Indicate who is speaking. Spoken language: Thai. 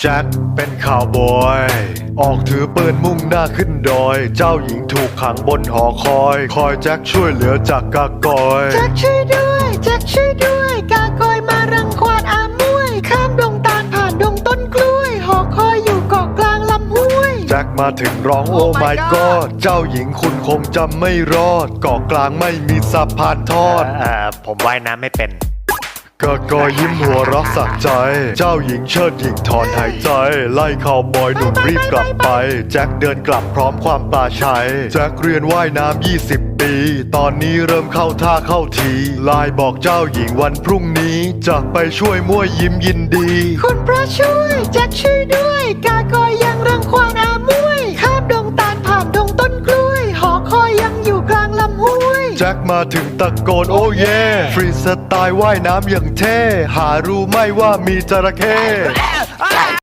Speaker 1: แจ็คเป็นข่าวบอยออกถือปืนมุ่งหน้าขึ้นดอยเจ้าหญิงถูกขังบนหอคอยแจ็คช่วยเหลือจากกากอย
Speaker 2: แจ็คช่วยด้วยแจ็คช่วยด้วยกากอยมารังควานอามวยข้ามดงตาลผ่านดงต้นกล้วยหอคอยอยู่เกาะกลางลำห้วย
Speaker 1: แจ็คมาถึงร้องโอ้ my god เจ้าหญิงคุณคงจำไม่รอดเกาะกลางไม่มีสะพานทอด
Speaker 3: ผมว่ายน้ำไม่เป็น
Speaker 1: กากอยยิ้มหัวเรักสักใจเจ้าหญิงเชิดหญิงถอนหายใจไล่ข่าวบอยหนุ่มรีบกลับไปแจ็คเดินกลับพร้อมความปลาชัยแจ็คเรียนว่ายน้ำ20 ปีตอนนี้เริ่มเข้าท่าเข้าทีไลน์บอกเจ้าหญิงวันพรุ่งนี้จะไปช่วยมั่วยิ้มยินดี
Speaker 2: คุณพระช่วยแจ็คช่วยด้วยกากอยยังรังควานอามวยข้ามดงตาลผ่านดงต้นกล้วยหอคอยยังอยู่กลางลำห้วย
Speaker 1: แจ็คมาถึงตะโกนโอ้เย่ฟรีสไตล์ว่ายน้ำอย่างเท่หารู้ไหม่ว่ามีจระเข้